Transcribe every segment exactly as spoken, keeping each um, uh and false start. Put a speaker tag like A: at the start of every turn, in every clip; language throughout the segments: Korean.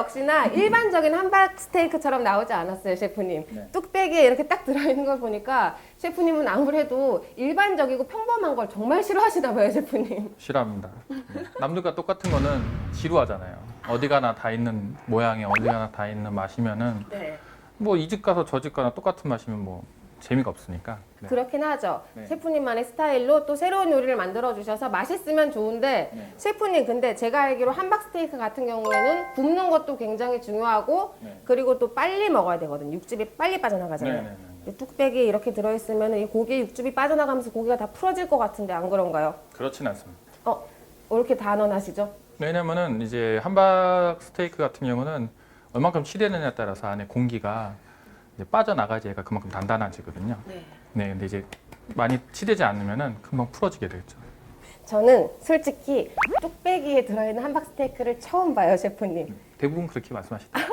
A: 역시나 일반적인 함박 스테이크처럼 나오지 않았어요, 셰프님.
B: 네.
A: 뚝배기에 이렇게 딱 들어있는 걸 보니까 셰프님은 아무래도 일반적이고 평범한 걸 정말 싫어하시나 봐요, 셰프님.
B: 싫어합니다. 남들과 똑같은 거는 지루하잖아요. 어디 가나 다 있는 모양에 어디 가나 다 있는 맛이면은
A: 네.
B: 뭐 이 집 가서 저 집 가나 똑같은 맛이면 뭐 재미가 없으니까. 네.
A: 그렇긴 하죠.
B: 네.
A: 셰프님만의 스타일로 또 새로운 요리를 만들어 주셔서 맛있으면 좋은데
B: 네.
A: 셰프님 근데 제가 알기로 함박 스테이크 같은 경우에는 굽는 것도 굉장히 중요하고
B: 네.
A: 그리고 또 빨리 먹어야 되거든요. 육즙이 빨리 빠져나가잖아요.
B: 네, 네, 네, 네.
A: 근데 뚝배기에 이렇게 들어있으면 이 고기에 육즙이 빠져나가면서 고기가 다 풀어질 것 같은데 안 그런가요?
B: 그렇진 않습니다.
A: 어, 왜 이렇게 단언하시죠?
B: 왜냐면은 이제 함박 스테이크 같은 경우는 얼만큼 치대느냐에 따라서 안에 공기가 이제 빠져나가지 얘가 그만큼 단단해지거든요.
A: 네.
B: 네, 근데 이제 많이 치대지 않으면은 금방 풀어지게 되겠죠.
A: 저는 솔직히 뚝배기에 들어있는 함박 스테이크를 처음 봐요, 셰프님.
B: 대부분 그렇게 말씀하시더라고요.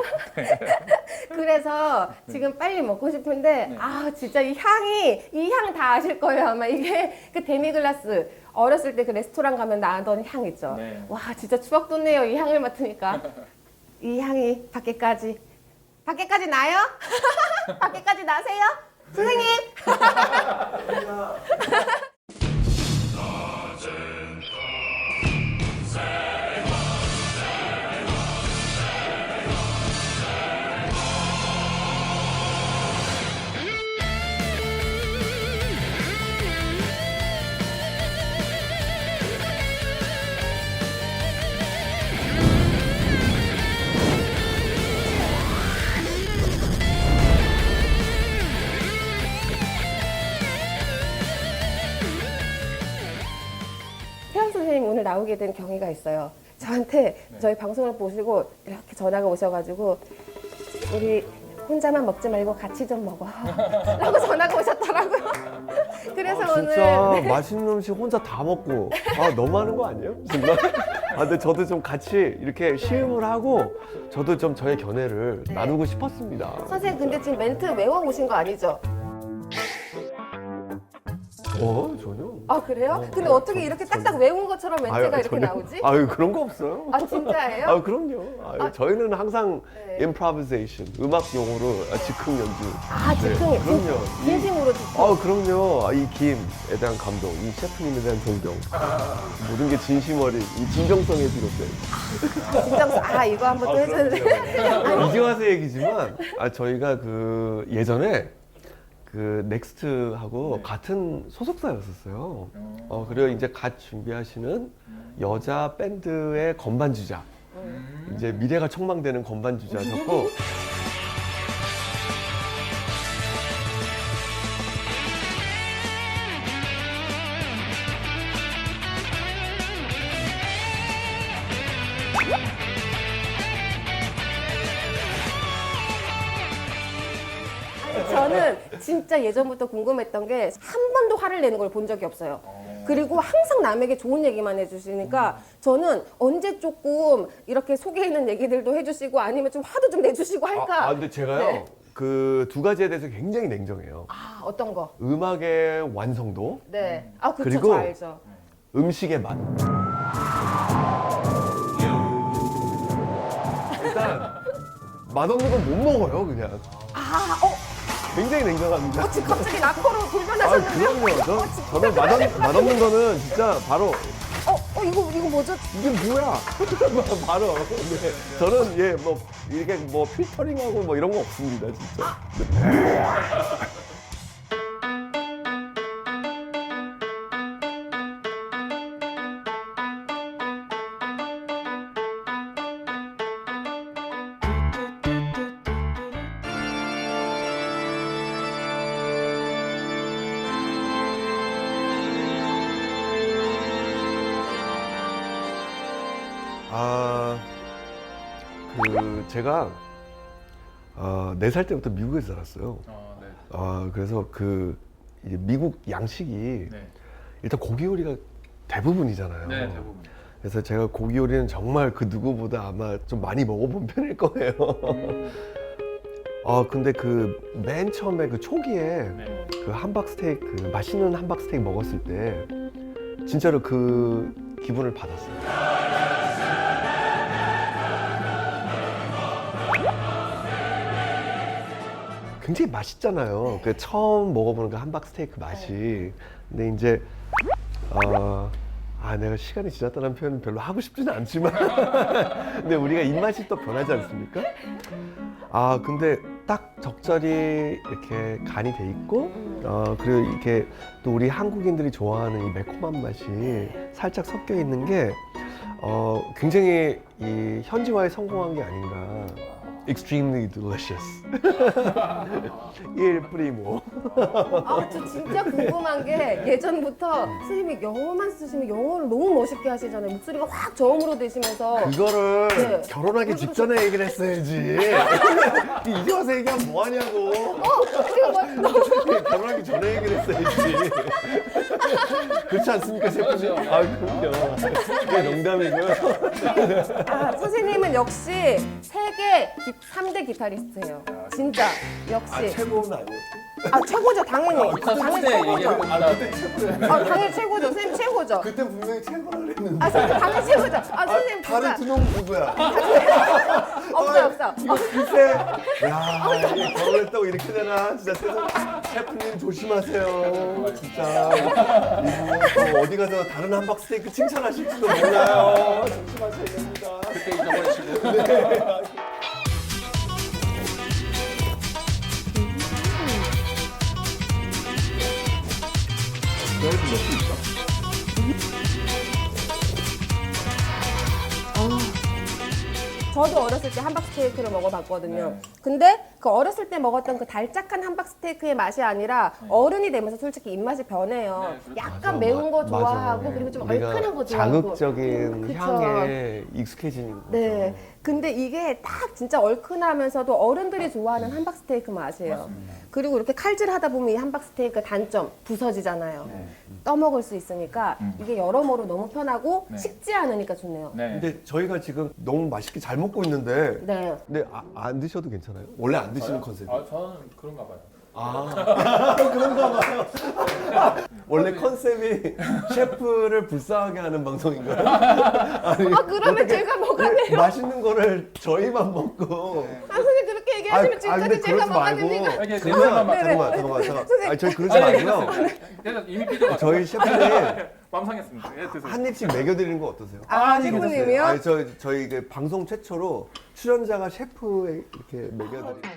A: 그래서 지금 빨리 먹고 싶은데
B: 네.
A: 아 진짜 이 향이 이 향 다 아실 거예요 아마 이게 그 데미글라스 어렸을 때 그 레스토랑 가면 나던 향 있죠.
B: 네.
A: 와 진짜 추억 돋네요 이 향을 맡으니까 이 향이 밖에까지 밖에까지 나요? 밖에까지 나세요? 선생님. 태연 선생님 오늘 나오게 된 경위가 있어요. 저한테
B: 네.
A: 저희 방송을 보시고 이렇게 전화가 오셔가지고 우리 혼자만 먹지 말고 같이 좀 먹어 라고 전화가 오셨더라고요. 그래서
C: 아,
A: 오늘
C: 진짜
A: 네.
C: 맛있는 음식 혼자 다 먹고 아 너무하는 거 아니에요? 정말? 아 근데 저도 좀 같이 이렇게 시음을 하고 저도 좀 저의 견해를
A: 네.
C: 나누고 싶었습니다.
A: 선생님 근데 지금 멘트 외워오신 거 아니죠?
C: 어 전혀.
A: 아 그래요?
C: 어,
A: 근데
C: 어,
A: 어떻게
C: 전-
A: 이렇게
C: 전-
A: 딱딱 외운 것처럼 멘트가
C: 아유,
A: 이렇게
C: 전혀.
A: 나오지?
C: 아유 그런 거 없어요.
A: 아 진짜예요?
C: 아 그럼요. 아유,
A: 아,
C: 저희는 항상
A: 네.
C: improvisation 음악 용어로 아, 즉흥 연주.
A: 아 즉흥
C: 네, 그럼요. 이-
A: 진심으로 즉흥.
C: 아 그럼요. 아, 이 김에 대한 감동, 이 셰프님에 대한 존경, 모든 게 진심 어린 이 진정성에 비롯된.
A: 진정성 아 이거 한번 또 해주는데
C: 이제 와서 얘기지만 아 저희가 그 예전에 그 넥스트하고
B: 네.
C: 같은 소속사였었어요. 어 그리고 이제 갓 준비하시는 여자 밴드의 건반 주자, 이제 미래가 촉망되는 건반 주자셨고.
A: 저는 진짜 예전부터 궁금했던 게 한 번도 화를 내는 걸 본 적이 없어요. 그리고 항상 남에게 좋은 얘기만 해주시니까 저는 언제 조금 이렇게 속에 있는 얘기들도 해주시고 아니면 좀 화도 좀 내주시고 할까.
C: 아, 아 근데 제가요
A: 네.
C: 그 두 가지에 대해서 굉장히 냉정해요.
A: 아, 어떤 거?
C: 음악의 완성도,
A: 네. 아 그쵸
C: 그리고
A: 저 알죠.
C: 음식의 맛. 일단 맛없는 건 못 먹어요 그냥.
A: 아, 어,
C: 굉장히 냉정합니다.
A: 어 지금 갑자기 낙커로
C: 아
A: 돌변하셨는데요?
C: 그럼요. 저,
A: 어, 진짜?
C: 저는 맛없, 맛없는 거는 진짜 바로
A: 어, 어 이거 이거 뭐죠?
C: 이게 뭐야? 바로. 네. 저는 예 뭐 이게 뭐 필터링하고 뭐 이런 거 없습니다 진짜. 네. 아, 그 제가 어, 네 살 때부터 미국에 살았어요.
B: 어, 네.
C: 아, 그래서 그 이제 미국 양식이
B: 네.
C: 일단 고기 요리가 대부분이잖아요.
B: 네, 대부분.
C: 그래서 제가 고기 요리는 정말 그 누구보다 아마 좀 많이 먹어본 편일 거예요. 아, 근데 그 맨 처음에 그 초기에
B: 네.
C: 그 함박 스테이크, 그 맛있는 함박 스테이크 먹었을 때 진짜로 그 기분을 받았어요. 굉장히 맛있잖아요. 그 처음 먹어보는 그 함박 스테이크 맛이. 근데 이제 어, 아 내가 시간이 지났다는 표현은 별로 하고 싶지는 않지만 근데 우리가 입맛이 또 변하지 않습니까? 아 근데 딱 적절히 이렇게 간이 돼 있고 어, 그리고 이렇게 또 우리 한국인들이 좋아하는 이 매콤한 맛이 살짝 섞여 있는 게 어, 굉장히 이 현지화에 성공한 게 아닌가. Extremely delicious. 일 프리모.
A: 아, 저 진짜 궁금한 게 예전부터 선생님이 영어만 쓰시면 영어를 너무 멋있게 하시잖아요. 목소리가 확 저음으로 되시면서.
C: 그거를
A: 네.
C: 결혼하기 직전에 얘기를 했어야지. 이제 와서 얘기하면 뭐하냐고.
A: 어, 지금 뭐, 너무.
C: 결혼하기 전에 얘기를 했어야지. 그렇지 않습니까, 셰프님? 아, 그럼요. 그게 농담이고요.
A: 아, 선생님은 역시 세계 삼 대 기타리스트예요. 진짜 역시.
C: 아, 최고는 아니에요.
A: 아, 최고죠, 당연히. 당연히 최고죠.
B: 아,
A: 아, 당연히 최고죠. 선생님 최고죠.
C: 그때 분명히 최고라 그랬는데.
A: 아, 선생님 당연히 최고죠. 아, 선생님
C: 다른
A: 진짜.
C: 두 놈 누구야?
A: 없어, 없어.
C: 이거 글쎄. 야, 이게 결혼했다고 이렇게 되나? 진짜 세상 셰프님 조심하세요. 진짜. 이분 또 어디 가서 다른 함박 스테이크 칭찬하실지도 몰라요. 조심하셔야 됩니다.
B: 그때 잊어버리시고.
C: 너희도 몇수 있어?
A: 저도 어렸을 때 함박 스테이크를 먹어봤거든요.
B: 네.
A: 근데 그 어렸을 때 먹었던 그 달짝한 함박 스테이크의 맛이 아니라 어른이 되면서 솔직히 입맛이 변해요.
B: 네, 그렇죠.
A: 약간
C: 맞아,
A: 매운 거
C: 맞아.
A: 좋아하고 그리고 좀
C: 우리가
A: 얼큰한 거 좋아하고.
C: 자극적인
A: 그쵸.
C: 향에 익숙해지는 거죠.
A: 네. 근데 이게 딱 진짜 얼큰하면서도 어른들이 좋아하는 함박 스테이크 맛이에요.
B: 맞습니다.
A: 그리고 이렇게 칼질하다 보면 이 함박 스테이크 단점 부서지잖아요.
B: 네.
A: 떠먹을 수 있으니까
B: 음.
A: 이게 여러모로 너무 편하고
B: 네.
A: 식지 않으니까 좋네요.
B: 네.
C: 근데 저희가 지금 너무 맛있게 잘 먹고 있는데
A: 네.
C: 근데 아, 안 드셔도 괜찮아요? 원래 안 드시는 컨셉이에요?
B: 아, 저는 그런가 봐요.
C: 아, 그런가 봐요. 원래 컨셉이 셰프를 불쌍하게 하는 방송인가요? 아니,
A: 아, 그러면
C: 어떻게
A: 제가 먹었네요.
C: 맛있는 거를 저희만 먹고.
A: 아, 선생님 그렇게 얘기하시면
C: 아,
A: 지금까지
C: 근데
A: 제가
C: 그러지
A: 뭐가
C: 말고.
A: 됩니까?
B: 이게
C: 그러면
B: 냄새만
A: 네네.
C: 잠깐만, 잠깐만, 잠깐만.
A: 선생님.
C: 아니, 저희 그러지
B: 아니,
C: 말고요.
B: 그래서 이미 삐져가지고.
C: 저희 셰프님
B: 맘 상했습니다. 예, 드세요.
C: 한 입씩 먹여드리는 거 어떠세요?
A: 아,
B: 아니,
A: 셰프님이요?
C: 아니, 저, 저희 그 방송 최초로 출연자가 셰프에 이렇게 먹여드리는